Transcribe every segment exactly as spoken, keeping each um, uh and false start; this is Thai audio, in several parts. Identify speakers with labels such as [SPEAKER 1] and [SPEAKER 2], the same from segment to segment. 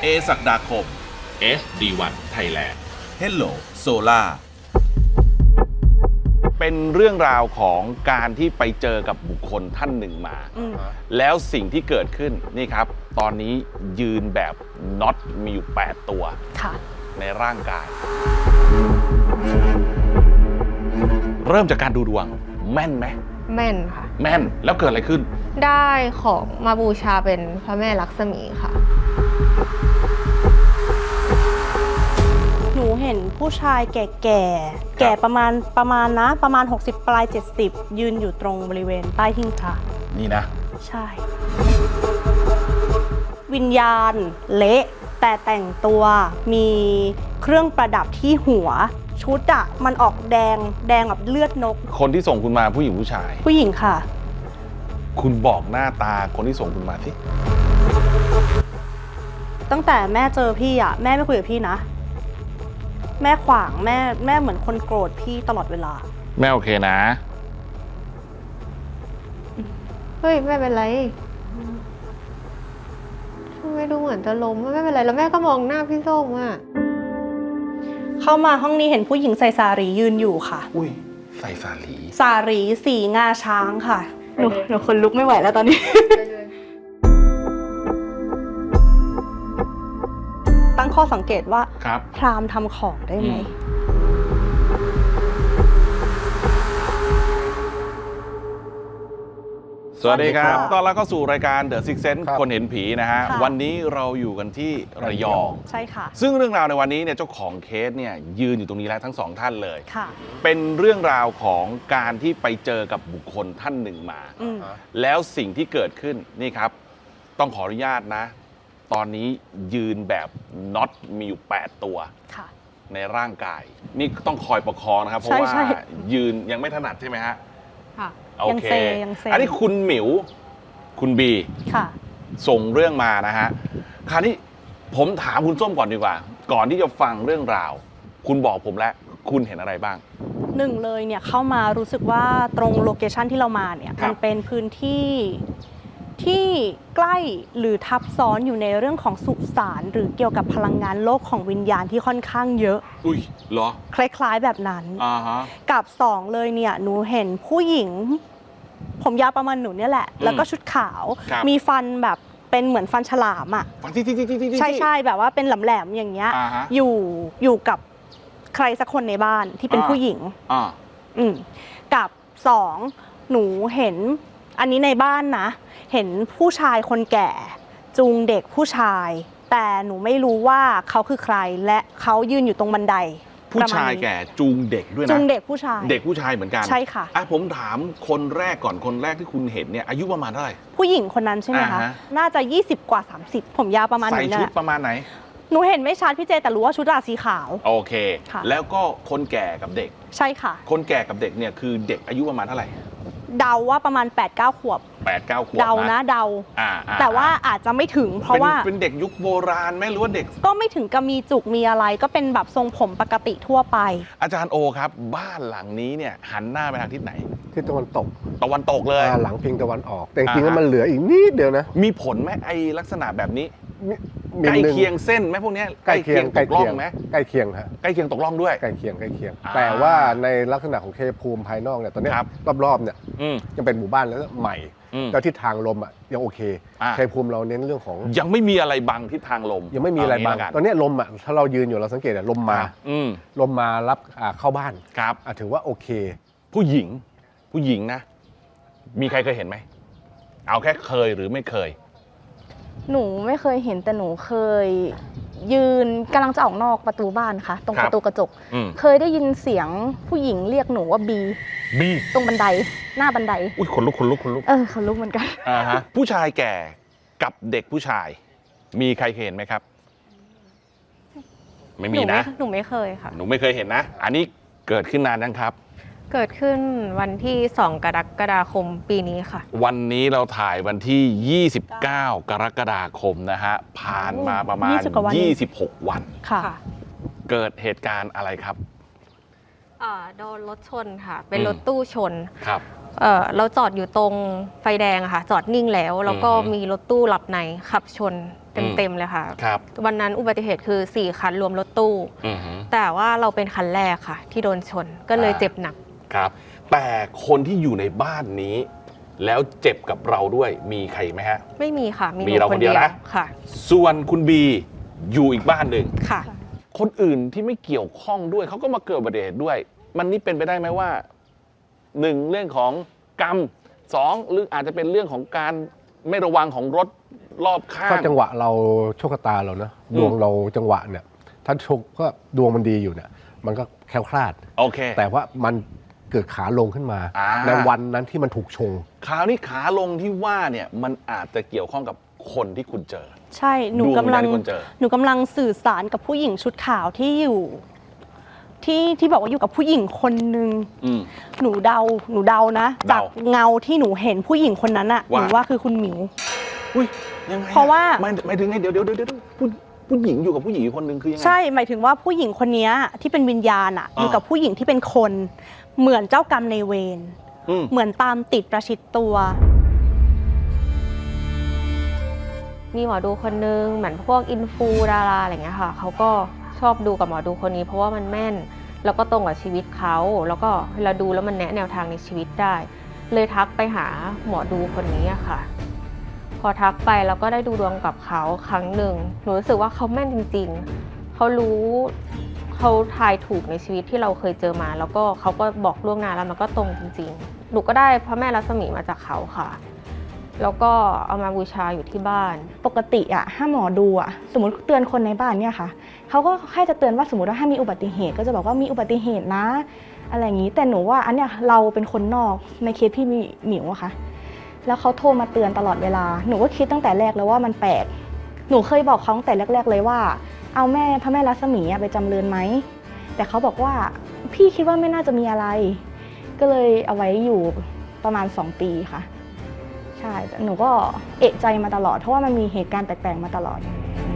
[SPEAKER 1] ศักดาคม
[SPEAKER 2] เอส ดี วัน Thailand
[SPEAKER 1] Hello Solar
[SPEAKER 3] เป็นเรื่องราวของการที่ไปเจอกับบุคคลท่านหนึ่งมา แล้วสิ่งที่เกิดขึ้นนี่ครับ ตอนนี้ยืนแบบน็อตมีอยู่แปดตัวในร่างกาย เริ่มจากการดูดวงแม่นไหม
[SPEAKER 4] แม่นค่ะ
[SPEAKER 3] แม่นแล้วเกิดอะไรขึ้น
[SPEAKER 4] ได้ของมาบูชาเป็นพระแม่ลักษมีค่ะ
[SPEAKER 5] หนูเห็นผู้ชายแก่ๆแก่ประมาณประมาณนะประมาณหกสิบปลายเจ็ดสิบยืนอยู่ตรงบริเวณใต้หิ้งพระ
[SPEAKER 3] นี่นะ
[SPEAKER 5] ใช่วิญญาณเละแต่แต่งตัวมีเครื่องประดับที่หัวชุดอะมันออกแดงแดงแบบเลือดนก
[SPEAKER 3] คนที่ส่งคุณมาผู้หญิงผู้ชาย
[SPEAKER 5] ผู้หญิงค่ะ
[SPEAKER 3] คุณบอกหน้าตาคนที่ส่งคุณมาสิ
[SPEAKER 5] ตั้งแต่แม่เจอพี่อะแม่ไม่คุยกับพี่นะแม่ขวางแม่แม่เหมือนคนโกรธพี่ตลอดเวลา
[SPEAKER 3] แม่โอเคนะ
[SPEAKER 4] เฮ้ยไม่เป็นไรทำไมดูเหมือนจะล้มไม่เป็นไรแล้วแม่ก็มองหน้าพี่ส้มอ่ะ
[SPEAKER 5] เข้ามาห้องนี้เห็นผู้หญิงใส่สารียืนอยู่ค่ะ
[SPEAKER 3] อุ้ยใส่สารี
[SPEAKER 5] สารีสีงาช้างค่ะหนูหนูคนลุกไม่ไหวแล้วตอนนี้ตั้งข้อสังเกตว่าพราหมณ์ทำของได้ไหม
[SPEAKER 3] สวัสดีครับต้อนรับเข้าสู่รายการ The Sixth Sense คนเห็นผีนะฮะวันนี้เราอยู่กันที่ระยอง
[SPEAKER 5] ใช่ค่ะ
[SPEAKER 3] ซึ่งเรื่องราวในวันนี้เนี่ยเจ้าของเคสเนี่ยยืนอยู่ตรงนี้แล้วทั้งสองท่านเลยเป็นเรื่องราวของการที่ไปเจอกับบุคคลท่านหนึ่งมาแล้วสิ่งที่เกิดขึ้นนี่ครับต้องขออนุญาตนะตอนนี้ยืนแบบน็อตมีอยู่แปดตัวในร่างกายนี่ต้องคอยประคองนะครับเพราะว่ายืนยังไม่ถนัดใช่ไหมฮะโอเคอันนี้คุณหมิวคุณบีส่งเรื่องมานะฮะคราวนี้ผมถามคุณส้มก่อนดีกว่าก่อนที่จะฟังเรื่องราวคุณบอกผมแล้วคุณเห็นอะไรบ้าง
[SPEAKER 5] หนึ่งเลยเนี่ยเข้ามารู้สึกว่าตรงโลเคชันที่เรามาเนี่ยมันเป็นพื้นที่ที่ใกล้หรือทับซ้อนอยู่ในเรื่องของสุสานหรือเกี่ยวกับพลังงานโลกของวิญญาณที่ค่อนข้างเยอะ
[SPEAKER 3] อุ้ยเหรอ
[SPEAKER 5] คล้ายๆแบบนั้นอ่าฮะกับสองเลยเนี่ยหนูเห็นผู้หญิงผมยาวประมาณหนูเนี่ยแหละแล้วก็ชุดขาวมีฟันแบบเป็นเหมือนฟันฉลามอ่ะ
[SPEAKER 3] ฟันที่ที่ที่ที่
[SPEAKER 5] ใช่ใช่แบบว่าเป็นแหลมๆอย่างเงี้ยอยู่อยู่กับใครสักคนในบ้านที่เป็นผู้หญิงอ่าอืมกับสองหนูเห็นอันนี้ในบ้านนะเห็นผู้ชายคนแก่จูงเด็กผู้ชายแต่หนูไม่รู้ว่าเขาคือใครและเขายืนอยู่ตรงบันได
[SPEAKER 3] ผู้ชายแก่จูงเด็กด้วยนะ
[SPEAKER 5] จูงเด็กผู้ชาย
[SPEAKER 3] เด็กผู้ชายเหมือนกัน
[SPEAKER 5] ใช่ค่ะ
[SPEAKER 3] อ่ะผมถามคนแรกก่อนคนแรกที่คุณเห็นเนี่ยอายุประมาณเท่าไหร่
[SPEAKER 5] ผู้หญิงคนนั้นใช่ไหมคะน่าจะยี่สิบกว่าสามสิบผมยาวประมาณนี้
[SPEAKER 3] ใส่ชุดประมาณไหน
[SPEAKER 5] หนูเห็นไม่ชัดพี่เจแต่รู้ว่าชุดราสีขาว
[SPEAKER 3] โอเคแล้วก็คนแก่กับเด็ก
[SPEAKER 5] ใช่ค่ะ
[SPEAKER 3] คนแก่กับเด็กเนี่ยคือเด็กอายุประมาณเท่าไหร่
[SPEAKER 5] เดาว่าประมาณ แปดเก้า ขวบ
[SPEAKER 3] แปดเก้า ขวบ
[SPEAKER 5] เดานะเดาแต่ว่าอาจจะไม่ถึงเพราะว่า
[SPEAKER 3] เป็นเด็กยุคโบราณไหมหรือว่าเด็ก
[SPEAKER 5] ก็ไม่ถึงกับมีจุกมีอะไรก็เป็นแบบทรงผมปกติทั่วไป
[SPEAKER 3] อาจารย์โอครับบ้านหลังนี้เนี่ยหันหน้าไปทางทิศไหน
[SPEAKER 6] ทิศตะวันตก
[SPEAKER 3] ตะวันตกเลย
[SPEAKER 6] หลังพิงตะวันออกแต่จริงๆแล้วมันเหลืออีกนิดเดียวนะ
[SPEAKER 3] มีผลไหมไอลักษณะแบบนี้ใกล้เคียงเส้นไหมพวกนี้
[SPEAKER 6] ใกล้เคียงตกล่องไหมใกล้เคียงฮะ
[SPEAKER 3] ใกล้เคียงตกล่องด้วย
[SPEAKER 6] ใกล้เคียงใกล้เคียงแต่ว่าในลักษณะของเคภูมิภายนอกเนี่ยตอนนี้รอบๆเนี่ยยังเป็นหมู่บ้านแล้วใหม่แล้วทิศทางลมอ่ะยังโอเคเคภูมิเราเน้นเรื่องของ
[SPEAKER 3] ยังไม่มีอะไรบังทิศทางลม
[SPEAKER 6] ยังไม่มีอะไรบังตอนนี้ลมอ่ะถ้าเรายืนอยู่เราสังเกตอ่ะลมมาลมมารับเข้าบ้าน
[SPEAKER 3] ครับ
[SPEAKER 6] ถือว่าโอเค
[SPEAKER 3] ผู้หญิงผู้หญิงนะมีใครเคยเห็นไหมเอาแค่เคยหรือไม่เคย
[SPEAKER 7] หนูไม่เคยเห็นแต่หนูเคยยืนกำลังจะออกนอกประตูบ้านค่ะตรงประตูกระจกเคยได้ยินเสียงผู้หญิงเรียกหนูว่าบี
[SPEAKER 3] บี
[SPEAKER 7] ตรงบันไดหน้าบันได
[SPEAKER 3] อุ้ยขนลุกขนลุกขนลุก
[SPEAKER 7] เออขนลุกเหมือนกัน
[SPEAKER 3] อ่าฮะผู้ชายแก่กับเด็กผู้ชายมีใครเคยเห็นไหมครับไม่มีนะ
[SPEAKER 4] หนูไม่เคยค่ะ
[SPEAKER 3] หนูไม่เคยเห็นนะอันนี้เกิดขึ้นนานยังครับ
[SPEAKER 4] เกิดขึ้นวันที่สองกรกฎาคมปีนี้ค่ะ
[SPEAKER 3] วันนี้เราถ่ายวันที่ยี่สิบเก้ากรกฎาคมนะฮะผ่านมาประมาณยี่สิบหกวัน
[SPEAKER 4] ค่ะ
[SPEAKER 3] เกิดเหตุการณ์อะไรครับ
[SPEAKER 4] โดนรถชนค่ะเป็นรถตู้ชน
[SPEAKER 3] ครับ
[SPEAKER 4] เออเราจอดอยู่ตรงไฟแดงอะค่ะจอดนิ่งแล้วแล้วก็มีรถตู้หลับในขับชนเต็มๆเลยค่ะ
[SPEAKER 3] ครับ
[SPEAKER 4] วันนั้นอุบัติเหตุคือสี่คันรวมรถตู้แต่ว่าเราเป็นคันแรกค่ะที่โดนชนก็เลยเจ็บหนัก
[SPEAKER 3] ครับแต่คนที่อยู่ในบ้านนี้แล้วเจ็บกับเราด้วยมีใครไหมฮะ
[SPEAKER 4] ไม่มีค่ะ
[SPEAKER 3] มีเราคนเดียวนะ
[SPEAKER 4] ค่ะ
[SPEAKER 3] ส่วนคุณบีอยู่อีกบ้านหนึ่ง
[SPEAKER 4] ค่ะ
[SPEAKER 3] คนอื่นที่ไม่เกี่ยวข้องด้วยเขาก็มาเกิดอุบัติเหตุด้วยมันนี่เป็นไปได้ไหมว่าหนึ่งเรื่องของกรรมสองหรืออาจจะเป็นเรื่องของการไม่ระวังของรถรอบข้าง
[SPEAKER 6] ก็จังหวะเราโชคชะตาเรานะดวงเราจังหวะเนี่ยถ้าโชคก็ดวงมันดีอยู่เนี่ยมันก็แคล้วคลาด
[SPEAKER 3] โอเค
[SPEAKER 6] แต่ว่ามันเกิดขาลงขึ้นมาในวันนั้นที่มันถูกชง
[SPEAKER 3] คราวนี้ขาลงที่ว่าเนี่ยมันอาจจะเกี่ยวข้องกับคนที่คุณเจอ
[SPEAKER 5] ใช่หนูกำลังหนูกำลังสื่อสารกับผู้หญิงชุดขาวที่อยู่ที่ที่บอกว่าอยู่กับผู้หญิงคนนึงหนูเดาหนูเดานะจากเงาที่หนูเห็นผู้หญิงคนนั้นอะหนูว่าคือคุณหมิว
[SPEAKER 3] อุ้ยยังไง
[SPEAKER 5] เพราะว่า
[SPEAKER 3] ไม่ไม่ถึงไงเดี๋ยวเดี๋ยวเดี๋ยวผู้ผู้หญิงอยู่กับผู้หญิงคนนึงคือยังไง
[SPEAKER 5] ใช่หมายถึงว่าผู้หญิงคนนี้ที่เป็นวิญญาณอะอยู่กับผู้หญิงที่เป็นคนเหมือนเจ้ากรรมในเวรเหมือนตามติดประชิดตัว
[SPEAKER 4] มีหมอดูคนนึงเหมือนพวกอินฟูดาราอะไรเงี้ยค่ะเขาก็ชอบดูกับหมอดูคนนี้เพราะว่ามันแม่นแล้วก็ตรงกับชีวิตเขาแล้วก็เวลาดูแล้วมันแนะแนวทางในชีวิตได้เลยทักไปหาหมอดูคนนี้อะค่ะพอทักไปแล้วก็ได้ดูดวงกับเขาครั้งหนึ่งหนูรู้สึกว่าเขาแม่นจริงๆเขารู้เขาทายถูกในชีวิตที่เราเคยเจอมาแล้วก็เขาก็บอกล่วงหน้าแล้วมันก็ตรงจริงๆหนูก็ได้พระแม่รัศมีมาจากเขาค่ะแล้วก็เอามาบูชาอยู่ที่บ้าน
[SPEAKER 7] ปกติอะถ้าหมอดูอะสมมติเตือนคนในบ้านเนี่ยค่ะเขาก็แค่จะเตือนว่าสมมติว่าถ้ามีอุบัติเหตุก็จะบอกว่ามีอุบัติเหตุนะอะไรอย่างนี้แต่หนูว่าอันเนี้ยเราเป็นคนนอกในเคสพี่หมิวอะค่ะแล้วเขาโทรมาเตือนตลอดเวลาหนูก็คิดตั้งแต่แรกแล้วว่ามันแปลกหนูเคยบอกเขาตั้งแต่แรกๆเลยว่าเอาแม่พระแม่รัศมีไปจำเริญไหมแต่เขาบอกว่าพี่คิดว่าไม่น่าจะมีอะไรก็เลยเอาไว้อยู่ประมาณสองปีค่ะใช่แต่หนูก็เอะใจมาตลอดเพราะว่ามันมีเหตุการณ์แปลกๆมาตลอด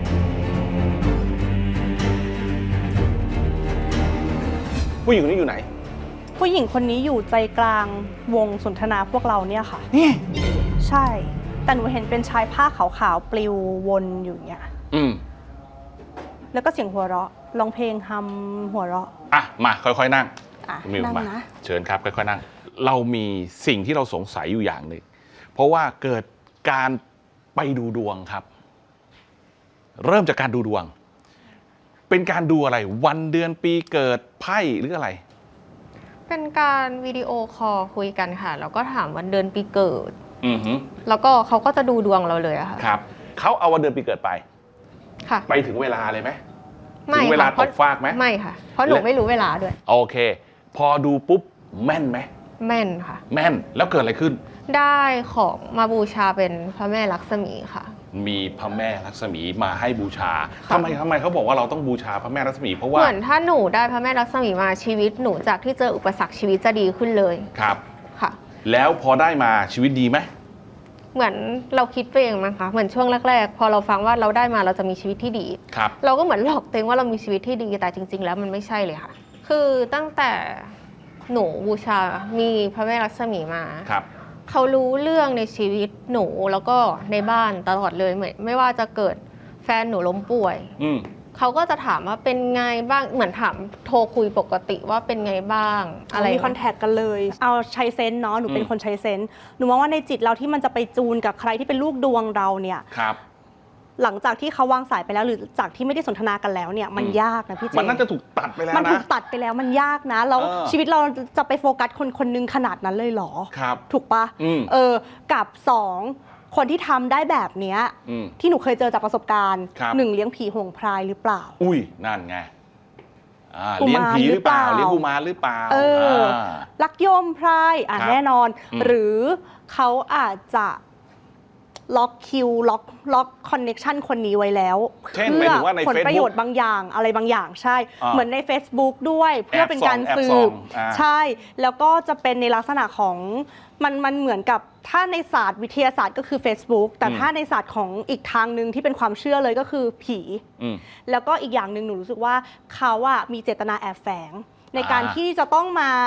[SPEAKER 3] ผู้หญิงคนนี้อยู่ไหน
[SPEAKER 5] ผู้หญิงคนนี้อยู่ใจกลางวงสนทนาพวกเราเนี่ยค่ะ
[SPEAKER 3] นี่
[SPEAKER 5] ใช่แต่หนูเห็นเป็นชายผ้าขาวๆปลิววนอยู่เนี่ย
[SPEAKER 3] อืม
[SPEAKER 5] แล้วก็เสียงหัวเราะร้องเพลงฮัมหัวเราะ
[SPEAKER 3] อ่ะมาค่อยๆนั่ง
[SPEAKER 5] มิวมา
[SPEAKER 3] เชิญครับค่อยๆนั่งเรามีสิ่งที่เราสงสัยอยู่อย่างหนึ่งเพราะว่าเกิดการไปดูดวงครับเริ่มจากการดูดวงเป็นการดูอะไรวันเดือนปีเกิดไพ่หรืออะไร
[SPEAKER 4] เป็นการวิดีโอคอลคุยกันค่ะแล้วก็ถามวันเดือนปีเกิด
[SPEAKER 3] อือฮึ
[SPEAKER 4] แล้วก็เขาก็จะดูดวงเราเลยอะค่ะ
[SPEAKER 3] ครับเขาเอาวันเดือนปีเกิดไป
[SPEAKER 4] ค่ะ
[SPEAKER 3] ไปถึงเวลาเลยไหม
[SPEAKER 4] ไม่
[SPEAKER 3] ถึงเวลาตกฟากไหม
[SPEAKER 4] ไม่ค่ะเพราะหนูไม่รู้เวลาด้วย
[SPEAKER 3] โอเคพอดูปุ๊บแม่นไหม
[SPEAKER 4] แม่นค่ะ
[SPEAKER 3] แม่นแล้วเกิดอะไรขึ้น
[SPEAKER 4] ได้ของมาบูชาเป็นพระแม่ลักษมีค่ะ
[SPEAKER 3] มีพระแม่ลักษมีมาให้บูชาทำไมทำไมเขาบอกว่าเราต้องบูชาพระแม่ลักษมีเพราะว่า
[SPEAKER 4] เหมือนถ้าหนูได้พระแม่ลักษมีมาชีวิตหนูจากที่เจออุปสรรคชีวิตจะดีขึ้นเลย
[SPEAKER 3] ครับ
[SPEAKER 4] ค่ะ
[SPEAKER 3] แล้วพอได้มาชีวิตดีไหม
[SPEAKER 4] เหมือนเราคิดไปเองมั้งคะเหมือนช่วงแรกๆพอเราฟังว่าเราได้มาเราจะมีชีวิตที่ดี
[SPEAKER 3] ครับ
[SPEAKER 4] เราก็เหมือนหลอกตัวเองว่าเรามีชีวิตที่ดีแต่จริงๆแล้วมันไม่ใช่เลยค่ะคือตั้งแต่หนูบูชามีพระแม่ลักษมีมา
[SPEAKER 3] ครับ
[SPEAKER 4] เขารู้เรื่องในชีวิตหนูแล้วก็ในบ้านตลอดเลยเหมือนไม่ว่าจะเกิดแฟนหนูล้มป่วยเขาก็จะถามว่าเป็นไงบ้างเหมือนถามโทรคุยปกติว่าเป็นไงบ้างอะไร
[SPEAKER 5] มีคอนแทคกันเลยเอาใช้เซนส์เนาะหนูเป็นคนใช้เซนส์หนูมองว่าในจิตเราที่มันจะไปจูนกับใครที่เป็นลูกดวงเราเนี่ย
[SPEAKER 3] ครับ
[SPEAKER 5] หลังจากที่เขาวางสายไปแล้วหรือจากที่ไม่ได้สนทนากันแล้วเนี่ยมันยากนะพี่เจ
[SPEAKER 3] มันน่าจะถูกตัดไปแล้วนะ
[SPEAKER 5] มันถูกตัดไปแล้วมันยากนะแล้วชีวิตเราจะไปโฟกัสคนคนนึงขนาดนั้นเลยเหรอ
[SPEAKER 3] ครับ
[SPEAKER 5] ถูกปะเออกับสองคนที่ทำได้แบบเนี้ยที่หนูเคยเจอจากประสบการณ์หนึ่งเลี้ยงผีโหงพรายหรือเปล่า
[SPEAKER 3] อุ้ยนั่นไงเลี้ยงผีหรือเปล่าเลี้ยงกุมารหรือเปล่า
[SPEAKER 5] เออลักโยมพรายอ่ะแน่นอนหรือเขาอาจจะล็อกคิวล็อกล็อกคอนเน็กชันคนนี้ไว้แล้ว
[SPEAKER 3] เพื่อ
[SPEAKER 5] ผลประโยชน์บางอย่างอะไรบางอย่างใช่เหมือนใน Facebook ด้วยเพื่อเป็นการสืบใช่แล้วก็จะเป็นในลักษณะของมันมันเหมือนกับถ้าในศาสตร์วิทยาศาสตร์ก็คือ Facebook แต่ถ้าในศาสตร์ของอีกทางหนึ่งที่เป็นความเชื่อเลยก็คือผีแล้วก็อีกอย่างหนึ่งหนูรู้สึกว่าเขาอะมีเจตนาแอบแฝงในการที่จะต้องมา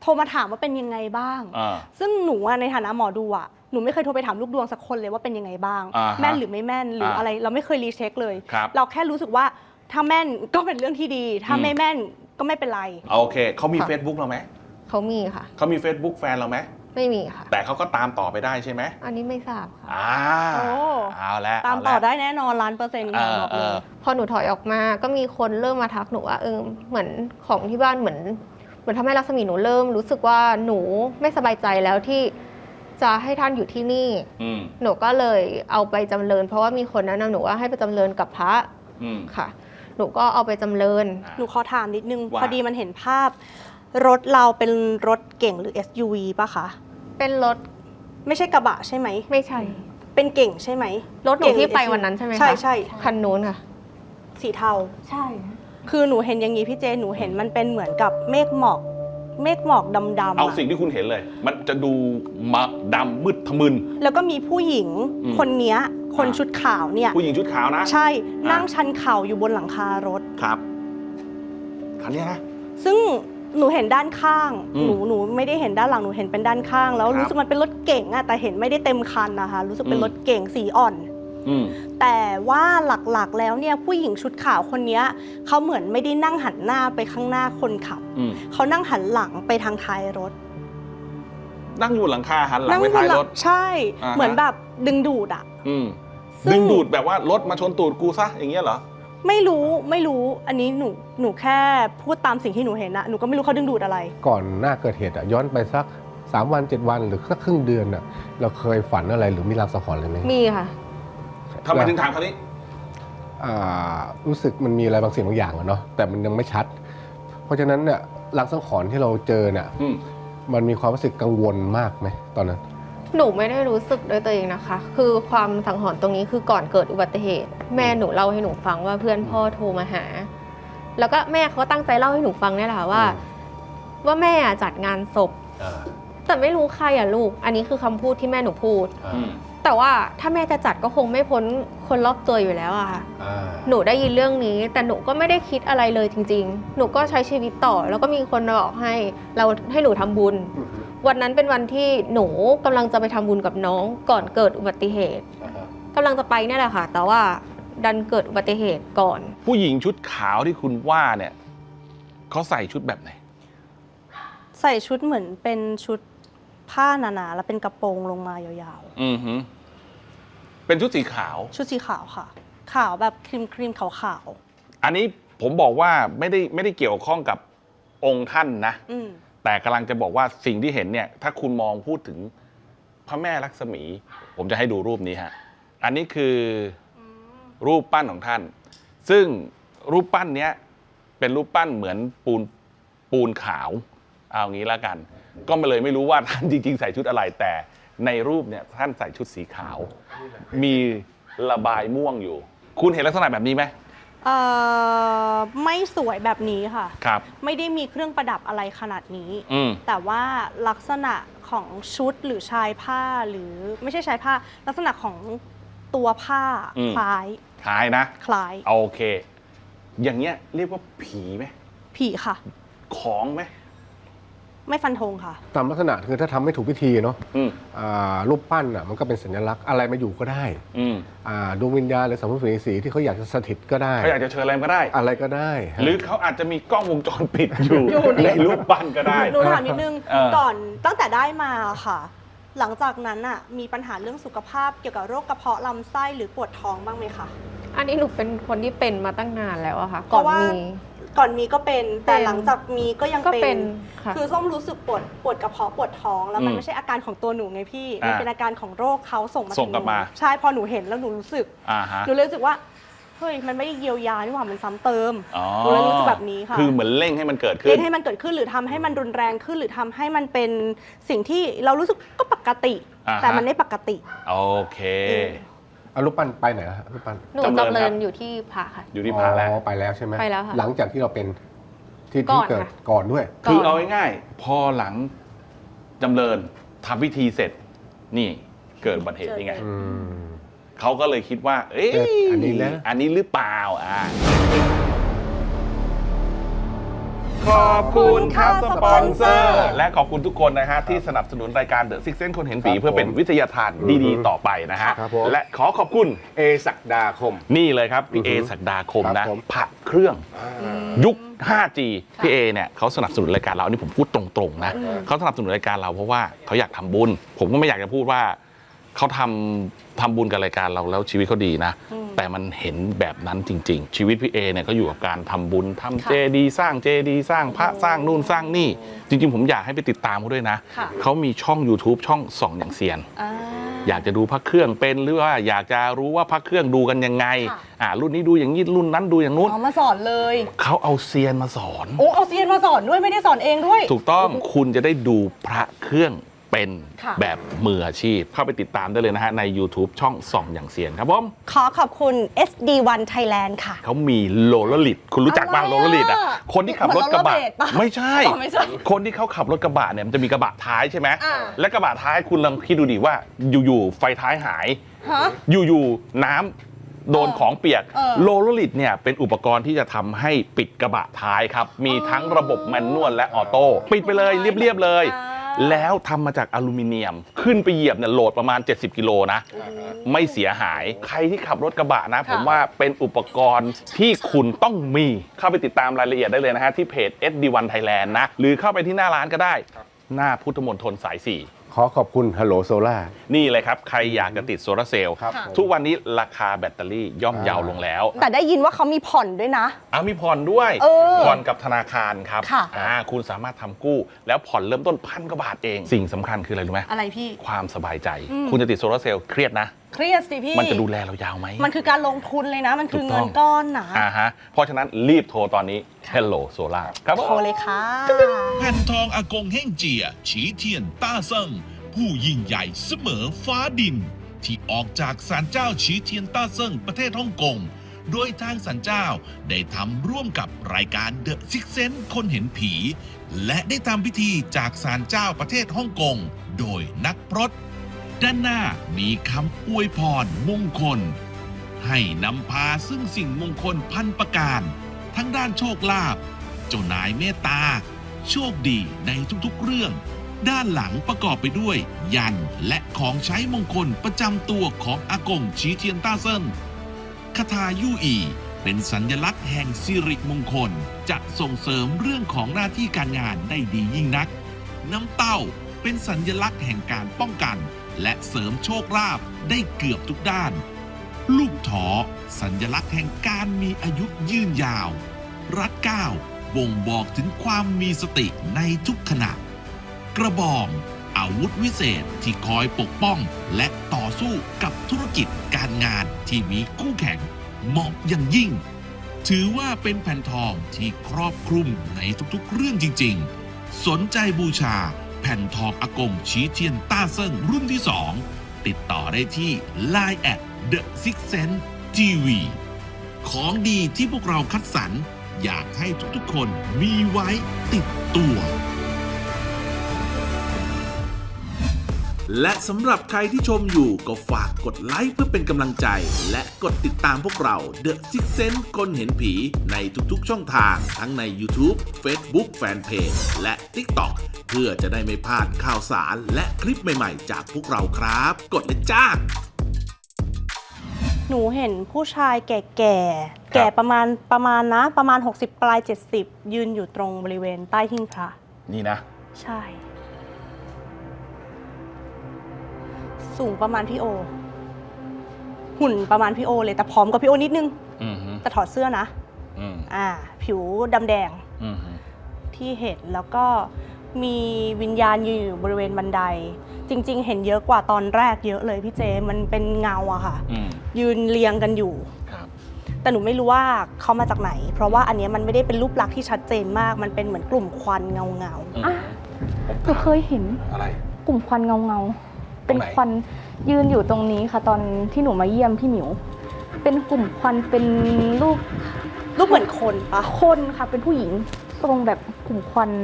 [SPEAKER 5] โทรมาถามว่าเป็นยังไงบ้าง ซึ่งหนูในฐานะหมอดูอ่ะหนูไม่เคยโทรไปถามลูกดวงสักคนเลยว่าเป็นยังไงบ้างแม่นหรือไม่แม่นหรืออะไรเราไม่เคยรีเช็คเลยเราแค่รู้สึกว่าถ้าแม่นก็เป็นเรื่องที่ดีถ้าไม่แม่นก็ไม่เป็นไร
[SPEAKER 3] โอเคเขามี Facebook เราไหม
[SPEAKER 4] เขามีค่ะ
[SPEAKER 3] เขามี Facebook แฟนเราไหม
[SPEAKER 4] ไม่มีค่ะ
[SPEAKER 3] แต่เขาก็ตามต่อไปได้ใช่ไหม
[SPEAKER 4] อันนี้ไม่ทราบค่ะ
[SPEAKER 3] อ่าเอาแล้ว
[SPEAKER 5] ตามต่อได้แน่นอนล้านเปอร์เซ็นต์บอกเลย
[SPEAKER 4] พอหนูถอยออกมาก็มีคนเริ่มมาทักหนูว่าเออเหมือนของที่บ้านเหมือนเหมือนทำให้รัศมีหนูเริ่มรู้สึกว่าหนูไม่สบายใจแล้วที่จะให้ท่านอยู่ที่นี่หนูก็เลยเอาไปจำเริญเพราะว่ามีคนแนะนำหนูว่าให้ไปจำเริญกับพระค่ะหนูก็เอาไปจำเริญ
[SPEAKER 5] หนูขอถามนิดนึงพอดีมันเห็นภาพรถเราเป็นรถเก่งหรือ เอส ยู วี ป่ะคะ
[SPEAKER 4] เป็นรถ
[SPEAKER 5] ไม่ใช่กระบะใช่ไหม
[SPEAKER 4] ไม่ใช่
[SPEAKER 5] เป็นเก่งใช่ไหม
[SPEAKER 4] รถหนูที่ไปวันนั้นใช่ไหมคะ
[SPEAKER 5] ใช่ใช่
[SPEAKER 4] คันนู้นค่ะ
[SPEAKER 5] สีเทา
[SPEAKER 4] ใช่
[SPEAKER 5] คือหนูเห็นอย่างนี้พี่เจหนูเห็นมันเป็นเหมือนกับเมฆหมอกเมฆหมอกดำๆ
[SPEAKER 3] เอาสิ่งที่คุณเห็นเลยมันจะดูมาดำมืดทะมึน
[SPEAKER 5] แล้วก็มีผู้หญิงคนเนี้ยคนชุดขาวเนี่ย
[SPEAKER 3] ผู้หญิงชุดขาวนะ
[SPEAKER 5] ใช่นั่งชันเข่าอยู่บนหลังคารถ
[SPEAKER 3] ครับคันนี้นะ
[SPEAKER 5] ซึ่งหนูเห็นด้านข้างหนูหนูไม่ได้เห็นด้านหลังหนูเห็นเป็นด้านข้างแล้วรู้สึกมันเป็นรถเก๋งอะแต่เห็นไม่ได้เต็มคันนะคะรู้สึกเป็นรถเก๋งสีอ่อนแต่ว่าหลักๆแล้วเนี่ยผู้หญิงชุดขาวคนนี้เขาเหมือนไม่ได้นั่งหันหน้าไปข้างหน้าคนขับเขานั่งหันหลังไปทางท้ายรถ
[SPEAKER 3] นั่งอยู่หลังคาหันหลังไปท้ายรถ
[SPEAKER 5] ใช่เหมือนแบบดึงดูดอะ
[SPEAKER 3] ดึงดูดแบบว่ารถมาชนตูดกูซะอย่างเงี้ยเหรอ
[SPEAKER 5] ไม่รู้ไม่รู้อันนี้หนูหนูแค่พูดตามสิ่งที่หนูเห็นนะหนูก็ไม่รู้เขาดึงดูดอะไร
[SPEAKER 6] ก่อนหน้าเกิดเหตุอะย้อนไปสักสามวันเจ็ดวันหรือสักครึ่งเดือนอะเราเคยฝันอะไรหรือมีลางสังหรณ์อะไรไหม
[SPEAKER 4] มีค่ะ
[SPEAKER 3] ทำไมถึงถามคำนี้
[SPEAKER 6] รู้สึกมันมีอะไรบางสิ่งบางอย่างอะเนาะแต่มันยังไม่ชัดเพราะฉะนั้นเนี่ยลางสังหรณ์ที่เราเจอเนี่ยมันมีความรู้สึกกังวลมากไหมตอนนั้น
[SPEAKER 4] หนูไม่ได้รู้สึกด้วยตัวเองนะคะคือความสังหรณ์ตรงนี้คือก่อนเกิดอุบัติเหตุแม่หนูเล่าให้หนูฟังว่าเพื่อนพ่อโทรมาหาแล้วก็แม่เขาตั้งใจเล่าให้หนูฟังนี่แหละว่าว่าแม่จัดงานศพแต่ไม่รู้ใครอ่ะลูกอันนี้คือคำพูดที่แม่หนูพูดแต่ว่าถ้าแม่จะจัดก็คงไม่พ้นคนรอบตัวอยู่แล้วอะค่ะหนูได้ยินเรื่องนี้แต่หนูก็ไม่ได้คิดอะไรเลยจริงๆหนูก็ใช้ชีวิตต่อแล้วก็มีคนบอกให้เราให้หนูทำบุญวันนั้นเป็นวันที่หนูกำลังจะไปทำบุญกับน้องก่อนเกิดอุบัติเหตุกำลังจะไปเนี่ยแหละค่ะแต่ว่าดันเกิดอุบัติเหตุก่อน
[SPEAKER 3] ผู้หญิงชุดขาวที่คุณว่าเนี่ยเขาใส่ชุดแบบไหน
[SPEAKER 5] ใส่ชุดเหมือนเป็นชุดผ้าหนาๆแล้วเป็นกระโปรงลงมายาว
[SPEAKER 3] ๆอือฮึเป็นชุดสีขาว
[SPEAKER 5] ชุดสีขาวค่ะขาวแบบครีมครีมขาว
[SPEAKER 3] ๆอันนี้ผมบอกว่าไม่ได้ไม่ได้เกี่ยวข้องกับองค์ท่านนะแต่กำลังจะบอกว่าสิ่งที่เห็นเนี่ยถ้าคุณมองพูดถึงพระแม่ลักษมีผมจะให้ดูรูปนี้ฮะอันนี้คือรูปปั้นของท่านซึ่งรูปปั้นเนี้ยเป็นรูปปั้นเหมือนปูนปูนขาวเอางี้แล้วกันก็มาเลยไม่รู้ว่าท่านจริงๆใส่ชุดอะไรแต่ในรูปเนี่ยท่านใส่ชุดสีขาวมีระบายม่วงอยู่คุณเห็นลักษณะแบบนี้ไหม
[SPEAKER 5] เอ่อไม่สวยแบบนี้ค่ะ
[SPEAKER 3] ครับ
[SPEAKER 5] ไม่ได้มีเครื่องประดับอะไรขนาดนี้แต่ว่าลักษณะของชุดหรือชายผ้าหรือไม่ใช่ชายผ้าลักษณะของตัวผ้าคล้าย
[SPEAKER 3] คล้ายนะ
[SPEAKER 5] คล้าย
[SPEAKER 3] โอเคอย่างเงี้ยเรียกว่าผีไหม
[SPEAKER 5] ผีค่ะ
[SPEAKER 3] ของไหม
[SPEAKER 5] ไม่ฟันธงค่ะ
[SPEAKER 6] ตามลักษณะคือถ้าทำไม่ถูกพิธีเนาะรูปปั้นอ่ะมันก็เป็นสัญลักษณ์อะไรมาอยู่ก็ได้ดวงวิญญาณหรือสัมภเวสีที่เขาอยากจะสถิตก็ได้
[SPEAKER 3] เขาอยากจะเชิญอะไรก็ได้
[SPEAKER 6] อะไรก็ได้
[SPEAKER 3] หรือเขาอาจจะมีกล้องวงจรปิดอยู่ในรูปปั้นก็ได้
[SPEAKER 5] หนูถามนิดนึงก่อนตั้งแต่ได้มาค่ะหลังจากนั้นอ่ะมีปัญหาเรื่องสุขภาพเกี่ยวกับโรคกระเพาะลำไส้หรือปวดท้องบ้างไหมคะ
[SPEAKER 4] อันนี้หนูเป็นคนที่เป็นมาตั้งนานแล้วอะค่ะก่อนมี
[SPEAKER 5] ก่อนมีก็เป็นแต่หลังจากมีก็ยังเป็นคือส้มรู้สึกปวดปวดกระเพาะปวดท้องแล้วมันไม่ใช่อาการของตัวหนูไงพี่มันเป็นอาการของโรคเขาส่งมา
[SPEAKER 3] ส่งกลับมา
[SPEAKER 5] ใช่พอหนูเห็นแล้วหนูรู้สึกหนูเลยรู้สึกว่าเฮ้ยมันไม่ได้เยียวยานี่หว่ามันซ้ำเติมหนูเลยรู้สึกแบบนี้ค่ะ
[SPEAKER 3] คือเหมือนเร่งให้มันเกิดขึ้น
[SPEAKER 5] เร่งให้มันเกิดขึ้นหรือทำให้มันรุนแรงขึ้นหรือทำให้มันเป็นสิ่งที่เรารู้สึกก็ปกติแต่มันไม่ปกติ
[SPEAKER 3] โอเค
[SPEAKER 6] เอารูปปั้นไปไหนฮะรูปปั้น
[SPEAKER 4] หนูจำเริญอยู่ที่พระค่ะ
[SPEAKER 3] อยู่ที่พระแล้ว
[SPEAKER 6] ไปแล้วใช่ไหม
[SPEAKER 4] ไปแล้วค่ะ
[SPEAKER 6] หลังจากที่เราเป็นที่ที่เกิดก่อนด้วย
[SPEAKER 3] คือเอาง่ายๆพอหลังจำเริญทำพิธีเสร็จนี่เกิดอุบัติเหตุนี่ไงเขาก็เลยคิดว่าเอ๊ะอันนี้แล้วอันนี้หรือเปล่าอ่าขอบคุณครับสปอนเซอร์ และขอบคุณทุกคนนะฮะที่สนับสนุนรายการ The Six Sense คนเห็นผีเพื่อเป็นวิทยาทานดีๆต่อไปนะฮะและขอขอบคุณ
[SPEAKER 6] เอศักดาคม
[SPEAKER 3] นี่เลยครับพี่เอศักดาคมนะพระเครื่องยุค ห้าจี พี่เอเนี่ยเขาสนับสนุนรายการเราอันนี้ผมพูดตรงๆนะเขาสนับสนุนรายการเราเพราะว่าเขาอยากทำบุญผมก็ไม่อยากจะพูดว่าเขาทำทำบุญกับรายการเราแล้วชีวิตเขาดีนะแต่มันเห็นแบบนั้นจริงๆชีวิตพี่เอเนี่ยก็อยู่กับการทำบุญทำเจดีย์สร้างเจดีย์สร้างพระสร้างนู่นสร้างนี่จริงๆผมอยากให้ไปติดตามเขาด้วยนะเขามีช่อง YouTube ช่องส่องอย่างเซียนอยากจะดูพระเครื่องเป็นหรือว่าอยากจะรู้ว่าพระเครื่องดูกันยังไงอ่ารุ่นนี้ดูอย่างนี้รุ่นนั้นดูอย่างนู้น
[SPEAKER 5] อ๋อมาสอนเลย
[SPEAKER 3] เขาเอาเซียนมาสอน
[SPEAKER 5] โอ้เอาเซียนมาสอนด้วยไม่ได้สอนเองด้วย
[SPEAKER 3] ถูกต้องคุณจะได้ดูพระเครื่องเป็นแบบมืออาชีพเข้าไปติดตามได้เลยนะฮะใน YouTube ช่องส่องอย่างเซียนครับผม
[SPEAKER 5] ขอขอบคุณ เอส ดี วัน Thailand ค่ะ
[SPEAKER 3] เขามีโลลลิตคุณรู้จักบ้างโลลลิตอ่ะคนที่ขับรถกระบะไม่ใช่คนที่เขาขับรถกระบะเนี่ยมันจะมีกระบะท้ายใช่ไหมและกระบะท้ายคุณลองคิดดูดิว่าอยู่ๆไฟท้ายหายอยู่ๆน้ำโดนของเปียกโลลลิตเนี่ยเป็นอุปกรณ์ที่จะทำให้ปิดกระบะท้ายครับมีทั้งระบบแมนนวลและออโต้ปิดไปเลยเรียบๆเลยแล้วทำมาจากอลูมิเนียมขึ้นไปเหยียบเนี่ยโหลดประมาณเจ็ดสิบกิโลนะไม่เสียหายใครที่ขับรถกระบะนะผมว่าเป็นอุปกรณ์ที่คุณต้องมีเข้าไปติดตามรายละเอียดได้เลยนะฮะที่เพจ เอส ดี วัน Thailand นะหรือเข้าไปที่หน้าร้านก็ได้หน้าพุทธมณฑลสายสี่
[SPEAKER 6] ขอขอบคุณฮัลโหลโซล่า
[SPEAKER 3] นี่เลยครับใครอยากจะติดโซลาร์เซลล์ทุกวันนี้ราคาแบตเตอรี่ย่อมเยาลงแล้ว
[SPEAKER 5] แต่ได้ยินว่าเขามีผ่อนด้วยนะ
[SPEAKER 3] อ้ามีผ่อนด้วยผ่อนกับธนาคารครับอ่าคุณสามารถทำกู้แล้วผ่อนเริ่มต้นพันกว่าบาทเองสิ่งสำคัญคืออะไรรู้ไหม
[SPEAKER 5] อะไรพี่
[SPEAKER 3] ความสบายใจคุณจะติดโซลาร์เซลล์เครียดนะ
[SPEAKER 5] เครียดสิพี่
[SPEAKER 3] มันจะดูแลเรายาวไหม
[SPEAKER 5] มันคือการลงทุนเลยนะมันคือเงินก้อนนะ
[SPEAKER 3] อ่าฮะเพราะฉะนั้นรีบโทรตอนนี้ Hello Solar ครับ
[SPEAKER 5] โทรเลยค่ะ
[SPEAKER 2] แผ่นทองอากงเฮ่งเจียฉีเทียนต้าเซิงผู้ยิ่งใหญ่เสมอฟ้าดินที่ออกจากศาลเจ้าฉีเทียนต้าเซิงประเทศฮ่องกงโดยทางศาลเจ้าได้ทำร่วมกับรายการ The Six Sense คนเห็นผีและได้ทำพิธีจากศาลเจ้าประเทศฮ่องกงโดยนักพรตด้านหน้ามีคำอวยพรมงคลให้นำพาซึ่งสิ่งมงคลพันประการทั้งด้านโชคลาภเจ้านายเมตตาโชคดีในทุกๆเรื่องด้านหลังประกอบไปด้วยยันและของใช้มงคลประจำตัวของอากงฉีเทียนต้าเซินคาถายู่อีเป็นสัญลักษณ์แห่งสิริมงคลจะส่งเสริมเรื่องของหน้าที่การงานได้ดียิ่งนักน้ำเต้าเป็นสัญลักษณ์แห่งการป้องกันและเสริมโชคลาภได้เกือบทุกด้านลูกถอสัญลักษณ์แห่งการมีอายุยืนยาวรัดเก้าบ่งบอกถึงความมีสติในทุกขณะกระบองอาวุธวิเศษที่คอยปกป้องและต่อสู้กับธุรกิจการงานที่มีคู่แข่งเหมาะอย่างยิ่งถือว่าเป็นแผ่นทองที่ครอบคลุมในทุกๆเรื่องจริงๆสนใจบูชาแผ่นทองอากงฉีเทียนต้าเซิงรุ่นที่สองติดต่อได้ที่ ไลน์ แอท The Six Sense ที วี ของดีที่พวกเราคัดสรรอยากให้ทุกๆคนมีไว้ติดตัวและสำหรับใครที่ชมอยู่ก็ฝากกดไลค์เพื่อเป็นกำลังใจและกดติดตามพวกเรา The Six Sense คนเห็นผีในทุกๆช่องทางทั้งใน YouTube Facebook Fanpage และ TikTok เพื่อจะได้ไม่พลาดข่าวสารและคลิปใหม่ๆจากพวกเราครับกดเลยจ้า
[SPEAKER 5] หนูเห็นผู้ชายแก่ๆแก่ประมาณประมาณนะประมาณหกสิบปลายเจ็ดสิบยืนอยู่ตรงบริเวณใต้หิ้งพระ
[SPEAKER 3] นี่นะ
[SPEAKER 5] ใช่สูงประมาณพี่โอหุ่นประมาณพี่โอเลยแต่ผอมกว่าพี่โอนิดนึงแต่ถอดเสื้อนะอ่าผิวดำแดงที่เห็นแล้วก็มีวิญญาณยืนอยู่บริเวณบันไดจริงๆเห็นเยอะกว่าตอนแรกเยอะเลยพี่เจมันเป็นเงาอะค่ะยืนเรียงกันอยู่แต่หนูไม่รู้ว่าเขามาจากไหนเพราะว่าอันนี้มันไม่ได้เป็นรูปลักษณ์ที่ชัดเจนมากมันเป็นเหมือนกลุ่มควันเงาเงา
[SPEAKER 7] หนูเคยเห็นอะไรกลุ่มควันเงาเงาเป็นควันยืนอยู่ตรงนี้ค่ะตอนที่หนูมาเยี่ยมพี่หมิวเป็นกลุ่มควันเป็นรูป
[SPEAKER 5] รูปเหมือนคนปะ
[SPEAKER 7] คนค่ะเป็นผู้หญิงตรงแบบกลุ่มควัน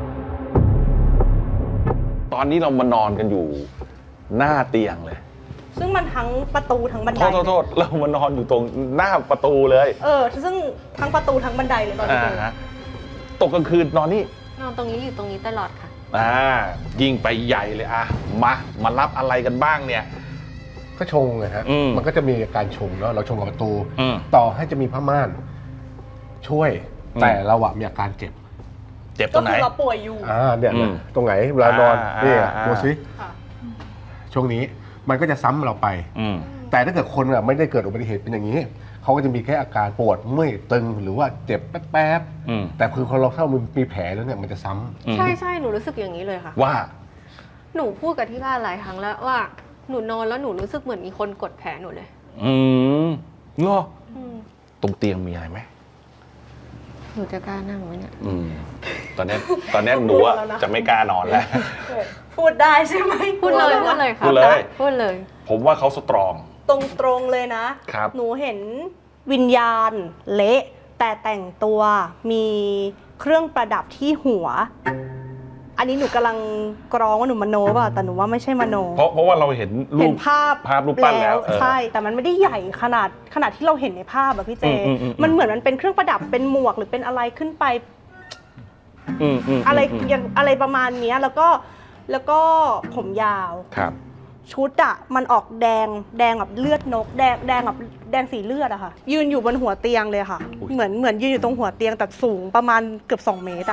[SPEAKER 3] ตอนนี้เรามานอนกันอยู่หน้าเตียงเลย
[SPEAKER 5] ซึ่งมันทั้งประตูทั้งบันได
[SPEAKER 3] โทษโทษโทษเรามานอนอยู่ตรงหน้าประตูเลย
[SPEAKER 5] เออซึ่งทั้งประตูทั้งบันไดเลยตอนที่เจอ
[SPEAKER 3] ฮะตกกลางคืนนอนนี่
[SPEAKER 4] นอนตรงนี้อยู่ตรงนี้ตลอดค่ะ
[SPEAKER 3] อ่ายิ่งไปใหญ่เลยอ่ะมามารับอะไรกันบ้างเนี่ย
[SPEAKER 6] ก็ชงไงฮะ
[SPEAKER 3] อืม
[SPEAKER 6] มันก็จะมีการชงเนาะเราชงกับประตู
[SPEAKER 3] อืม
[SPEAKER 6] ต่อให้จะมีผ้าม่านช่วย
[SPEAKER 3] อืม
[SPEAKER 6] แต่เราอะมีอาการเจ็บ
[SPEAKER 3] เจ็บตร
[SPEAKER 5] ก็
[SPEAKER 3] งไหน
[SPEAKER 5] คือเราป่วยอยู่
[SPEAKER 6] อ่าเนี่ย
[SPEAKER 3] อืม
[SPEAKER 6] ตรงไหนเวลานอน
[SPEAKER 3] อ่า
[SPEAKER 6] นี่
[SPEAKER 3] อ่า
[SPEAKER 6] ดูสิ
[SPEAKER 5] ค่ะ
[SPEAKER 6] ช่วงนี้มันก็จะซ้ำเราไป
[SPEAKER 3] อืม
[SPEAKER 6] แต่ถ้าเกิดคนอะไม่ได้เกิดอุบัติเหตุเป็นอย่างนี้เขาก็จะมีแค่อาการปวดเมื่อยตึงหรือว่าเจ็บแป๊บ
[SPEAKER 3] อืม
[SPEAKER 6] ๆแต่คือคนเราถ้ามันมีแผลแล้วเนี่ยมันจะซ้ำ
[SPEAKER 3] อืม
[SPEAKER 4] ใช่ใช่หนูรู้สึกอย่างนี้เลยค่ะ
[SPEAKER 3] ว่า
[SPEAKER 4] หนูพูดกับที่บ้านหลายครั้งแล้วว่าหนูนอนแล้วหนูรู้สึกเหมือนมีคนกดแผลหนูเลย
[SPEAKER 3] อืมเหรอ
[SPEAKER 4] อืม
[SPEAKER 3] ตรงเตียงมีอะไรไหม
[SPEAKER 4] หนูจะกล้านั่งไหมเนี่ย
[SPEAKER 3] อืมตอนเนี้ยตอนเนี้ยหนูอะจะไม่กล้านอนแล้ว
[SPEAKER 5] พูดได้ใช่ไหม
[SPEAKER 4] พูดเลยพูดเลยค่ะ
[SPEAKER 3] พูดเลย
[SPEAKER 4] พูดเลย
[SPEAKER 3] ผมว่าเขาสตรอง
[SPEAKER 5] ตรงตรงๆเลยนะ
[SPEAKER 3] ครับ
[SPEAKER 5] หนูเห็นวิญญาณเละแต่แต่งตัวมีเครื่องประดับที่หัว อันนี้หนูกำลังกรองว่าหนูมโนป่ะแต่หนูว่าไม่ใช่มโน
[SPEAKER 3] เพราะเพราะว่าเราเห็นรู
[SPEAKER 5] เห็
[SPEAKER 3] ป
[SPEAKER 5] นภาพ
[SPEAKER 3] ภาพรูปปั้นแล้วเออ
[SPEAKER 5] ใช่ แต่มันไม่ได้ใหญ่ขนาดขนาดที่เราเห็นในภาพอะพี่เจ
[SPEAKER 3] อืมอืมอืม
[SPEAKER 5] มันเหมือนมันเป็นเครื่องประดับเป็นหมวกหรือเป็นอะไรขึ้นไป
[SPEAKER 3] อืมอืม
[SPEAKER 5] อะไร
[SPEAKER 3] ม
[SPEAKER 5] อย่างอะไรประมาณเนี้ยแล้วก็แล้วก็ผมยาว
[SPEAKER 3] ครับ
[SPEAKER 5] ชุดอะมันออกแดงแดงแบบเลือดนก แดงแดงแบบแดงสีเลือดอะค่ะ ยืนอยู่บนหัวเตียงเลยค่ะ
[SPEAKER 3] อุ๊ย
[SPEAKER 5] เหมือนเหมือนยืนอยู่ตรงหัวเตียงแต่สูงประมาณเกือบสองเมตรอะ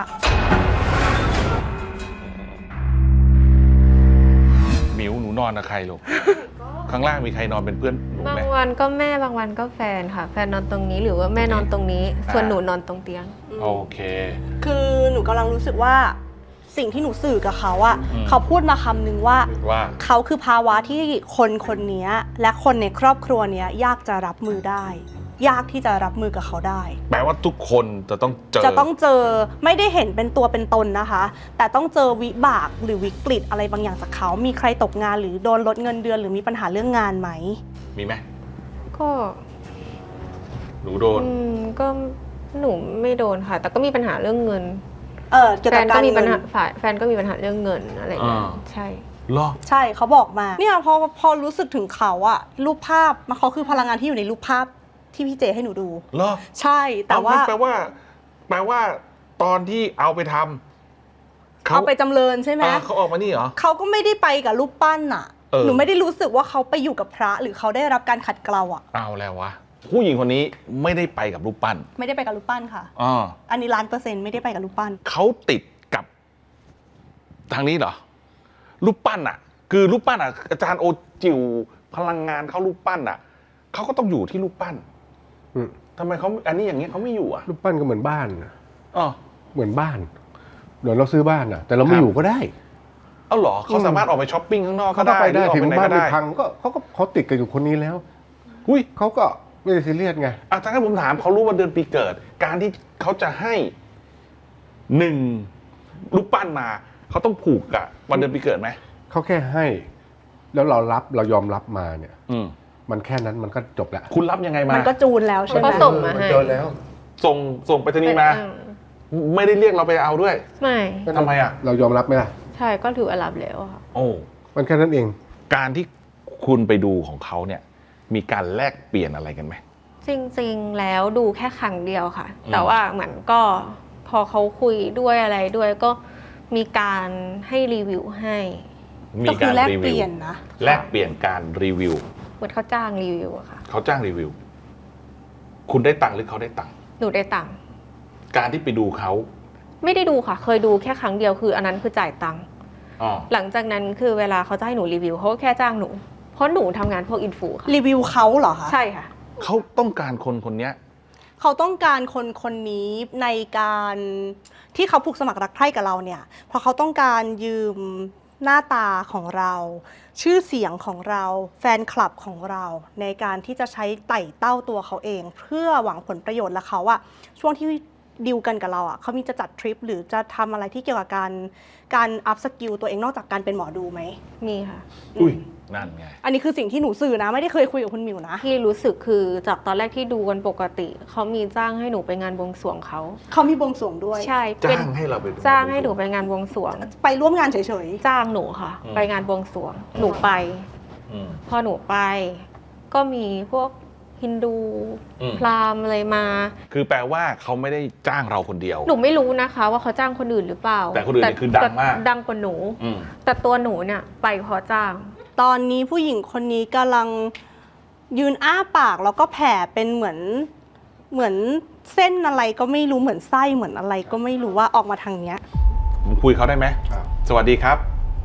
[SPEAKER 3] หมิวหนูนอนกับใครลูก ข้างล่างมีใครนอนเป็นเพื่อนหนู
[SPEAKER 4] บา
[SPEAKER 3] ไหม
[SPEAKER 4] งวันก็แม่บางวันก็แฟนค่ะ แฟนนอนตรงนี้หรือว่าแม่นอนตรงนี้
[SPEAKER 3] อ่า
[SPEAKER 4] ส่วนหนูนอนตรงเตียง
[SPEAKER 3] โอเค
[SPEAKER 5] คือหนูกำลังรู้สึกว่าสิ่งที่หนูสื่อกับเขาอะ
[SPEAKER 3] อืม
[SPEAKER 5] เขาพูดมาคำนึงว่า
[SPEAKER 3] ว่า
[SPEAKER 5] เขาคือภาวะที่คนคนนี้และคนในครอบครัวเนี้ยยากจะรับมือได้ ยากที่จะรับมือกับเขาได้
[SPEAKER 3] แปลว่าทุกคนจะต้องเจอ
[SPEAKER 5] จะต้องเจอไม่ได้เห็นเป็นตัวเป็นตนนะคะ แต่ต้องเจอวิบากหรือวิกฤตอะไรบางอย่างจากเขา มีใครตกงานหรือโดนลดเงินเดือนหรือมีปัญหาเรื่องงานไหม
[SPEAKER 3] มีไหม
[SPEAKER 4] ก็
[SPEAKER 3] หนูโดน
[SPEAKER 4] อืมก็หนูไม่โดนค่ะ แต่ก็มีปัญหาเรื่องเงิน
[SPEAKER 5] เออเกี่ยว
[SPEAKER 4] แฟ
[SPEAKER 5] กับ
[SPEAKER 4] น
[SPEAKER 5] กา
[SPEAKER 4] ก็
[SPEAKER 5] ร
[SPEAKER 4] มีปั
[SPEAKER 5] เงิ
[SPEAKER 4] ญ
[SPEAKER 5] น
[SPEAKER 4] หาฝ่ายแฟนก็มีปัญหาเรื่องเงินอะไรอย่างเงี้ย
[SPEAKER 3] อ่า
[SPEAKER 4] ใช่
[SPEAKER 3] เหรอ
[SPEAKER 5] ใช่เขาบอกมาเนี่ยพอพอรู้สึกถึงเขาอะรูปภาพมันเขาคือพลังงานที่อยู่ในรูปภาพที่พี่เจให้หนูดู
[SPEAKER 3] เหรอ
[SPEAKER 5] ใช่แต่ว่า
[SPEAKER 3] เองั้นแปลว่า แปลว่าตอนที่เอาไปทำ
[SPEAKER 5] เอาไปจำเริญใช่ไหม
[SPEAKER 3] อ่าเขาออกมานี่เหรอ
[SPEAKER 5] เขาก็ไม่ได้ไปกับรูปปั้นอะ
[SPEAKER 3] เออ
[SPEAKER 5] หนูไม่ได้รู้สึกว่าเขาไปอยู่กับพระ หรือเขาได้รับการขัดเกลาอะ
[SPEAKER 3] เอาแล้ววะ ผู้หญิงคนนี้ไม่ได้ไปกับรูปปั้น
[SPEAKER 5] ไม่ได้ไปกับรูปปั้นค่ะ
[SPEAKER 3] อ่า
[SPEAKER 5] อันนี้ล้านเปอร์เซ็นต์ไม่ได้ไปกับรูปปั้น
[SPEAKER 3] เขาติดกับทางนี้เหรอ รูปปั้นอ่ะ คือรูปปั้นอ่ะ อาจารย์โอจิวพลังงานเขารูปปั้นอ่ะเขาก็ต้องอยู่ที่รูปปั้น
[SPEAKER 6] อืม
[SPEAKER 3] ทำไมเขาอันนี้อย่างเงี้ยเขาไม่อยู่อ่ะ
[SPEAKER 6] รูปปั้นก็เหมือนบ้านน่ะ
[SPEAKER 3] อ๋อ
[SPEAKER 6] เหมือนบ้านเหมือนเราซื้อบ้านน่ะ แต่เราไม่
[SPEAKER 3] ครับ
[SPEAKER 6] อยู่ก็ได้
[SPEAKER 3] เอาเหรอเขาสามารถออกไปช้อปปิ้งข้างนอกก็
[SPEAKER 6] เขาก็
[SPEAKER 3] ได้
[SPEAKER 6] ไปได้
[SPEAKER 3] หรือออก
[SPEAKER 6] ถึง
[SPEAKER 3] ไปไหน
[SPEAKER 6] บ้าน
[SPEAKER 3] ก็
[SPEAKER 6] ไม่
[SPEAKER 3] ได้
[SPEAKER 6] พังก็เขาก็เขาติดกันอยู่คนนี้แล้ว
[SPEAKER 3] อุ้ย
[SPEAKER 6] เขาก็ไม่ได้ซีเรียสไง
[SPEAKER 3] อ่ะถ้างั้นผมถามเขารู้วันเดือนปีเกิด การที่เขาจะให้หนึ่งรูปปั้นมาเขาต้องผูกกับวันเดือนปีเกิดไหม
[SPEAKER 6] เขาแค่ให้ แล้วเรารับเรายอมรับมาเนี่ย
[SPEAKER 3] อืม
[SPEAKER 6] มันแค่นั้นมันก็จบแล้ว
[SPEAKER 3] คุณรับยังไงมา
[SPEAKER 5] มันก็จูนแล้วใช่ไหม
[SPEAKER 4] เขาส่งมาให้
[SPEAKER 6] เจอแล้ว
[SPEAKER 3] ส่งส่งไปรษณีย์มา
[SPEAKER 4] อืม
[SPEAKER 3] ไม่ได้เรียกเราไปเอาด้วย
[SPEAKER 4] ไม่
[SPEAKER 3] ทำไมอ่ะ
[SPEAKER 6] เรายอมรับไหมล่ะ
[SPEAKER 4] ใช่ก็ถือว่ารับแล้วค่ะ
[SPEAKER 3] โอ้
[SPEAKER 6] มันแค่นั้นเอง
[SPEAKER 3] การที่คุณไปดูของเขาเนี่ย มีการแลกเปลี่ยนอะไรกันไหม
[SPEAKER 4] จริงๆแล้วดูแค่ครั้งเดียวค่ะ
[SPEAKER 3] อืม
[SPEAKER 4] แต่ว่าเหมือนก็พอเขาคุยด้วยอะไรด้วยก็มีการให้รีวิวให้
[SPEAKER 3] มี
[SPEAKER 5] ก็คื
[SPEAKER 3] กา
[SPEAKER 5] อ
[SPEAKER 3] ร
[SPEAKER 5] แลก
[SPEAKER 3] รี
[SPEAKER 5] เป
[SPEAKER 3] วิว
[SPEAKER 5] ลี่ยนนะ
[SPEAKER 3] แลกเปลี่ยนการรีวิว
[SPEAKER 4] เหมือนเขาจ้างรีวิวอะค่ะ
[SPEAKER 3] เขาจ้างรีวิว คุณได้ตังค์หรือเขาได้ตังค์
[SPEAKER 4] หนูได้ตังค์
[SPEAKER 3] การที่ไปดูเขา
[SPEAKER 4] ไม่ได้ดูค่ะ เคยดูแค่ครั้งเดียวคืออันนั้นคือจ่ายตังค์
[SPEAKER 3] อ๋อ
[SPEAKER 4] หลังจากนั้นคือเวลาเขาจะให้หนูรีวิวเขาก็แค่จ้างหนู เพราะหนูทำงานพวกอินฟูค่ะ
[SPEAKER 5] รีวิวเขาเหรอคะ
[SPEAKER 4] ใช่ค่ะ
[SPEAKER 3] เขาต้องการคนคนเนี้ย
[SPEAKER 5] เขาต้องการคนคนนี้ในการที่เขาผูกสมัครรักใคร่กับเราเนี่ย เพราะเขาต้องการยืมหน้าตาของเรา ชื่อเสียงของเรา แฟนคลับของเรา ในการที่จะใช้ไต่เต้าตัวเขาเอง เพื่อหวังผลประโยชน์และเขาอะช่วงที่ดิวกันกับเราอะเขามีจะจัดทริปหรือจะทำอะไรที่เกี่ยวกับการการอัพสกิลตัวเองนอกจากการเป็นหมอดูไหม
[SPEAKER 4] มีค่ะ
[SPEAKER 3] อุ้ย นั่นไง
[SPEAKER 5] อันนี้คือสิ่งที่หนูสื่อนะ ไม่ได้เคยคุยกับคุณหมิวนะ
[SPEAKER 4] ที่รู้สึกคือจากตอนแรกที่ดูกันปกติเขามีจ้างให้หนูไปงานบวงสรวงเขา
[SPEAKER 5] เขามีบวงสรวงด้วย
[SPEAKER 4] ใช่เป็น
[SPEAKER 3] จ้างให้เราไปดู
[SPEAKER 4] จ้างให้หนูไปงานบวงสรวง
[SPEAKER 5] ไปร่วมงานเฉย
[SPEAKER 4] จ้างหนูค่ะ
[SPEAKER 3] อืม
[SPEAKER 4] ไปงานบวงสรวง หนูไป
[SPEAKER 3] อืม
[SPEAKER 4] พอหนูไป ก็มีพวกฮินดู
[SPEAKER 3] อืม
[SPEAKER 4] พราหมณ์อะไรมา
[SPEAKER 3] คือแปลว่าเขาไม่ได้จ้างเราคนเดียว
[SPEAKER 4] หนูไม่รู้นะคะ ว่าเขาจ้างคนอื่นหรือเปล่า
[SPEAKER 3] แต่คนอื่นเนี่ยคือดังมาก
[SPEAKER 4] ดังกว่าหนู
[SPEAKER 3] อืม
[SPEAKER 4] แต่ตัวหนูเนี่ยไปเพราะจ้าง
[SPEAKER 5] ตอนนี้ผู้หญิงคนนี้กำลังยืนอ้าปากแล้วก็แผ่เป็นเหมือนเหมือนเส้นอะไรก็ไม่รู้เหมือนไส้เหมือนอะไรก็ไม่รู้ว่าออกมาทางเนี้ย
[SPEAKER 3] ผมคุยเขาได้ไหม
[SPEAKER 6] ครับ
[SPEAKER 3] สวัสดีครับ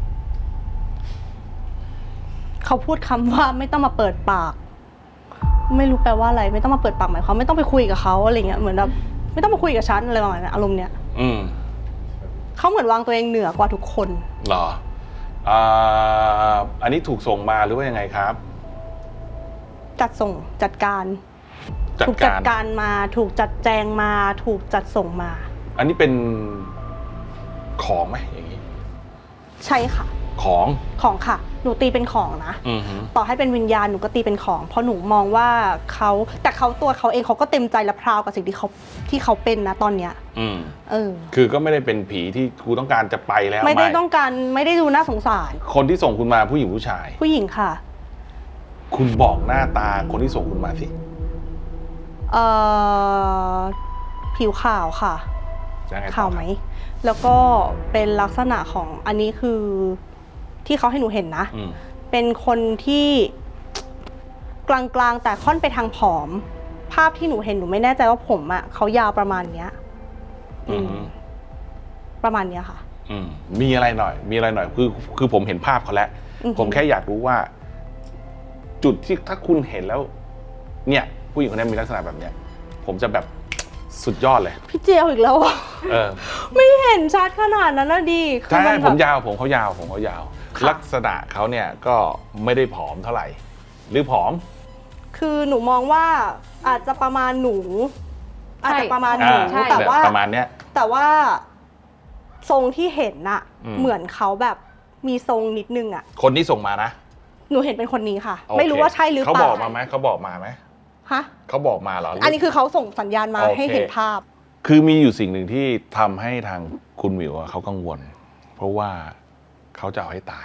[SPEAKER 5] เขาพูดคำว่าไม่ต้องมาเปิดปาก ไม่รู้แปลว่าอะไร ไม่ต้องมาเปิดปากหมายความไม่ต้องไปคุยกับเขาอะไรเงี้ยเหมือนแบบไม่ต้องมาคุยกับฉันอะไรประมาณนั้นอารมณ์เนี้ย
[SPEAKER 3] อืม
[SPEAKER 5] เขาเหมือนวางตัวเองเหนือกว่าทุกคน
[SPEAKER 3] เหรออ่าอันนี้ถูกส่งมาหรือว่ายังไงครับ
[SPEAKER 5] จัดส่งจัดการ
[SPEAKER 3] จัด
[SPEAKER 5] ถูกจัด
[SPEAKER 3] การ
[SPEAKER 5] การมาถูกจัดแจงมาถูกจัดส่งมา
[SPEAKER 3] อันนี้เป็นของไหมอย่างนี้
[SPEAKER 5] ใช่ค่ะ
[SPEAKER 3] ของ
[SPEAKER 5] ของค่ะ หนูตีเป็นของนะ
[SPEAKER 3] อือหือ
[SPEAKER 5] ต่อให้เป็นวิญญาณหนูก็ตีเป็นของ เพราะหนูมองว่าเขาแต่เขาตัวเขาเองเขาก็เต็มใจและพราวกับสิ่งที่เขาที่เขาเป็นนะตอนเนี้ย
[SPEAKER 3] อืม
[SPEAKER 5] เออ
[SPEAKER 3] คือก็ไม่ได้เป็นผีที่ครูต้องการจะไปแล้ว
[SPEAKER 5] ไม่ได้ต้องการไม่ได้ดูน่าสงสาร
[SPEAKER 3] คนที่ส่งคุณมาผู้หญิงผู้ชาย
[SPEAKER 5] ผู้หญิงค่ะ
[SPEAKER 3] คุณบอกหน้าตาคนที่ส่งคุณมาสิ
[SPEAKER 5] เอ่อผิวขาวค่ะ
[SPEAKER 3] ยังไงต่อ
[SPEAKER 5] ขาวไหม แล้วก็เป็นลักษณะของอันนี้คือที่เขาให้หนูเห็นนะ
[SPEAKER 3] อืม
[SPEAKER 5] เป็นคนที่กลางๆแต่ค่อนไปทางผอม ภาพที่หนูเห็นหนูไม่แน่ใจว่าผมอะเขายาวประมาณเนี้ย
[SPEAKER 3] อืม
[SPEAKER 5] ประมาณเนี้ยค่ะ
[SPEAKER 3] อืมมีอะไรหน่อย มีอะไรหน่อย คือ คือผมเห็นภาพเขาแล้ว
[SPEAKER 5] อือหือ
[SPEAKER 3] ผมแค่อยากรู้ว่า จุดที่ถ้าคุณเห็นแล้ว เนี่ย ผู้หญิงคนนี้มีลักษณะแบบเนี้ย ผมจะแบบสุดยอดเลย
[SPEAKER 5] พี่เจียวอีกแล้วอะ
[SPEAKER 3] เออ
[SPEAKER 5] ไม่เห็นชัดขนาดนั้นนะดิคือ
[SPEAKER 3] ใช่
[SPEAKER 5] มัน
[SPEAKER 3] ผ
[SPEAKER 5] แบ
[SPEAKER 3] ม
[SPEAKER 5] บ
[SPEAKER 3] ยาว ผมเขายาว ผมเขายาว
[SPEAKER 5] ค่ะ
[SPEAKER 3] ลักษณะเขาเนี่ยก็ไม่ได้ผอมเท่าไหร่ หรือผอม
[SPEAKER 5] คือหนูมองว่าอาจจะประมาณหนู อาจจะประมาณหนู
[SPEAKER 3] อ่า
[SPEAKER 4] ใช่
[SPEAKER 5] แต่ว่า
[SPEAKER 3] ประมาณเนี้ย
[SPEAKER 5] แต่ว่าทรงที่เห็นน่ะ
[SPEAKER 3] อืม
[SPEAKER 5] เหมือนเขาแบบมีทรงนิดนึงอะ
[SPEAKER 3] คนที่ส่งมานะ
[SPEAKER 5] หนูเห็นเป็นคนนี้ค่ะ
[SPEAKER 3] โอเค
[SPEAKER 5] ไม่รู้ว่าใช่หรือเป
[SPEAKER 3] เขา
[SPEAKER 5] ล่า
[SPEAKER 3] บอกมาไหม เขาบอกมาไหม
[SPEAKER 5] ฮะ
[SPEAKER 3] เขาบอกมาเหรอหรื
[SPEAKER 5] อันนี้คือเขาส่งสัญญาณมา
[SPEAKER 3] โอเค
[SPEAKER 5] ให้เห็นภาพ
[SPEAKER 3] คือมีอยู่สิ่งหนึ่งที่ทำให้ทางคุณหมิวอะเขากังวล เพราะว่าเขาจะเอาให้ตาย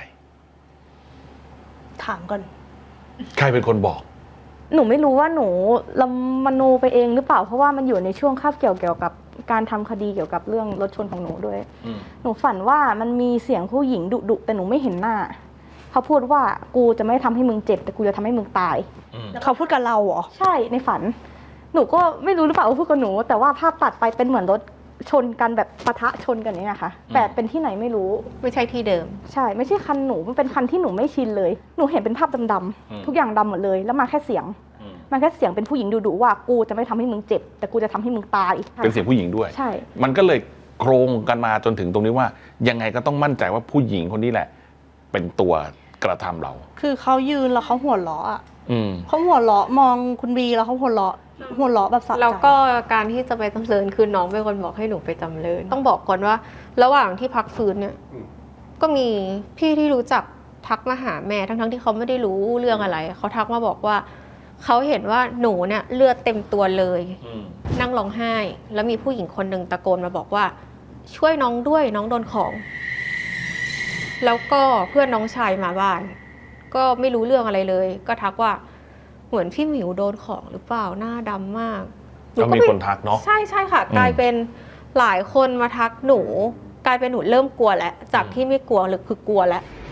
[SPEAKER 5] ถามก่อน
[SPEAKER 3] ใครเป็นคนบอก
[SPEAKER 7] หนูไม่รู้ว่าหนูละมโนไปเองหรือเปล่าเพราะว่ามันอยู่ในช่วงคาบเกี่ยวเกี่ยวกับการทำคดีเกี่ยวกับเรื่องรถชนของหนูด้วย
[SPEAKER 3] อืม
[SPEAKER 7] หนูฝันว่ามันมีเสียงผู้หญิงดุดุๆแต่หนูไม่เห็นหน้าเขาพูดว่ากูจะไม่ทำให้มึงเจ็บแต่กูจะทำให้มึงตาย
[SPEAKER 3] อืม
[SPEAKER 5] เขาพูดกับเราเหรอ
[SPEAKER 7] ใช่ในฝัน หนูก็ไม่รู้หรือเปล่าว่าพูดกับหนู แต่ว่าภาพตัดไปเป็นเหมือนรถชนกันแบบปะทะชนกันอย่างเนี้ยค่ะแต่เป็นที่ไหนไม่รู้
[SPEAKER 4] ไม่ใช่ที่เดิม
[SPEAKER 7] ใช่ ไม่ใช่คันหนูมันเป็นคันที่หนูไม่ชินเลย หนูเห็นเป็นภาพดำๆทุกอย่างดำหมดเลยแล้วมาแค่เสียง
[SPEAKER 3] อืม
[SPEAKER 7] มันแค่เสียงเป็นผู้หญิงดุๆว่ากูจะไม่ทำให้มึงเจ็บ แต่กูจะทำให้มึงตาย
[SPEAKER 3] เป็นเสียงผู้หญิงด้วย
[SPEAKER 7] ใช่
[SPEAKER 3] มันก็เลยโครงกันมาจนถึงตรงนี้ว่า ยังไงก็ต้องมั่นใจว่าผู้หญิงคนนี้แหละ เป็นตัวกระทำเรา
[SPEAKER 5] คือเขายืนแล้วเขาหัวเราะอะ
[SPEAKER 3] อืม
[SPEAKER 5] เขาหัวเราะมองคุณบีแล้วเขาหัวเราะหัวเราะแบบสะใจ
[SPEAKER 4] แล้วก็การที่จะไปจำเริญคือน้องเป็นคนบอกให้หนูไปจำเริญต้องบอกก่อนว่า ระหว่างที่พักฟื้นเนี่ย
[SPEAKER 6] อืม
[SPEAKER 4] ก็มีพี่ที่รู้จักทักมาหาแม่ทั้งๆที่เขาไม่ได้รู้เรื่องอะไรเขาทักมาบอกว่าเขาเห็นว่าหนูเนี่ยเลือดเต็มตัวเลย
[SPEAKER 3] อืม
[SPEAKER 4] นั่งร้องไห้ แล้วมีผู้หญิงคนหนึ่งตะโกนมาบอกว่า ช่วยน้องด้วยน้องโดนของ แล้วก็เพื่อนน้องชายมาบ้าน ก็ไม่รู้เรื่องอะไรเลย ก็ทักว่าเหมือนพี่หมิวโดนของหรือเปล่าหน้าดำมากห
[SPEAKER 3] ก็มี
[SPEAKER 4] ไป
[SPEAKER 3] คนทักเนาะ
[SPEAKER 4] ใช่ใช่ค่ะ
[SPEAKER 3] อืม
[SPEAKER 4] กลายเป็นหลายคนมาทักหนู กลายเป็นหนูเริ่มกลัวแล้วจากที่ไม่กลัวหรือคือกลัวแล้ว